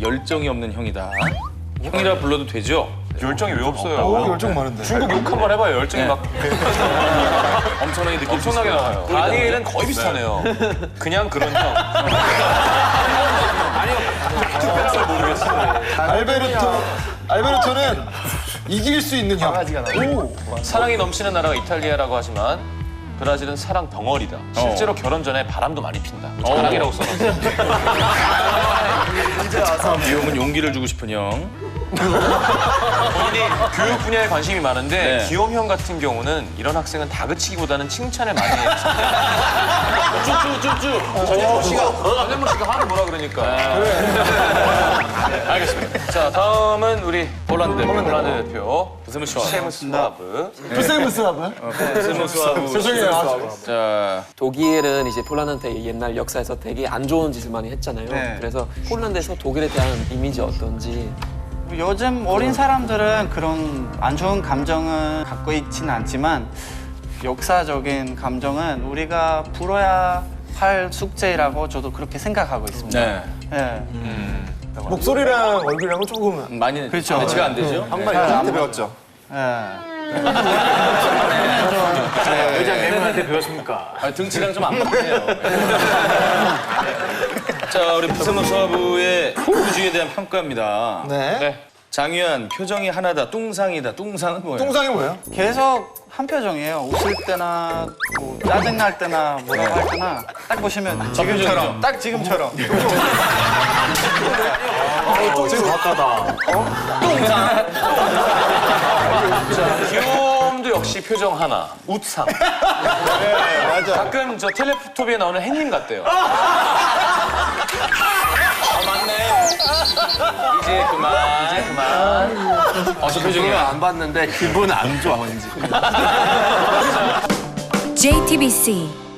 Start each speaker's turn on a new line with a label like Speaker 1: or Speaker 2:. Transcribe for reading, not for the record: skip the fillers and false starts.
Speaker 1: 열정이 없는 형이다. 형이라 불러도 되죠?
Speaker 2: 열정이 왜 없어요?
Speaker 3: 열정 많은데.
Speaker 2: 중국 욕 한번 해봐요. 열정이
Speaker 1: 네.
Speaker 2: 막
Speaker 1: 엄청나게 느낄 수
Speaker 2: 엄청나게
Speaker 1: 있어요.
Speaker 2: 나와요. 다니엘은 거의 비슷하네요. 그냥 그런 형. 아니요. 특별한 걸 모르겠어요.
Speaker 3: 알베르토는 이길 수 있는 형.
Speaker 2: 사랑이 넘치는 나라가 이탈리아라고 하지만 브라질은 사랑 덩어리다. 실제로 결혼 전에 바람도 많이 핀다. 자랑이라고 써놨어요.
Speaker 1: 이 형은 용기를 주고 싶은 형.
Speaker 2: 본인이 교육 분야에 관심이 많은데
Speaker 1: 네.
Speaker 2: 기욤 형 같은 경우는 이런 학생은 다그치기보다는 칭찬을 많이 해요. 쭈쭈쭈쭈. 전현무 씨가 하루 뭐라 그러니까. 알겠습니다. 자, 다음은 우리 폴란드 대표 세무스와브.
Speaker 3: 프세무스하고요?
Speaker 1: 스무스하고.
Speaker 3: 죄송해요.
Speaker 1: 자,
Speaker 4: 독일은 이제 폴란드한테 옛날 역사에서 되게 안 좋은 짓을 많이 했잖아요.
Speaker 5: 네.
Speaker 4: 그래서 폴란드에서 독일에 대한 이미지 어떤지.
Speaker 5: 요즘 어린 사람들은 그런 안 좋은 감정은 갖고 있지는 않지만 역사적인 감정은 우리가 풀어야 할 숙제라고 저도 그렇게 생각하고 있습니다.
Speaker 1: 네.
Speaker 5: 예.
Speaker 3: 목소리랑 얼굴이랑은 조금
Speaker 1: 많이
Speaker 5: 그렇죠.
Speaker 1: 매치가 안 되죠?
Speaker 3: 한번 형한테 배웠죠.
Speaker 5: 예.
Speaker 6: 여자 매물한테 배웠습니까?
Speaker 1: 등치랑 좀 안 맞네요. 자, 우리 스무스와브의 후주에 대한 평가입니다.
Speaker 3: 네.
Speaker 1: 장유한, 표정이 하나다, 뚱상이다. 뚱상은 뭐예요?
Speaker 3: 똥상이 뭐예요?
Speaker 5: 계속 한 표정이에요. 웃을 때나 뭐 짜증 날 때나 뭐라고 할 때나 딱 보시면 지금처럼 딱 지금처럼.
Speaker 2: 귀여움도 역시 표정 하나. 웃상.
Speaker 3: 네, 맞아.
Speaker 2: 가끔 저 텔레토비에 나오는 햇님 같대요. 맞네. 이제 그만. 저 표정이야.
Speaker 4: 안 봤는데 기분 안 좋아 왠지.
Speaker 7: JTBC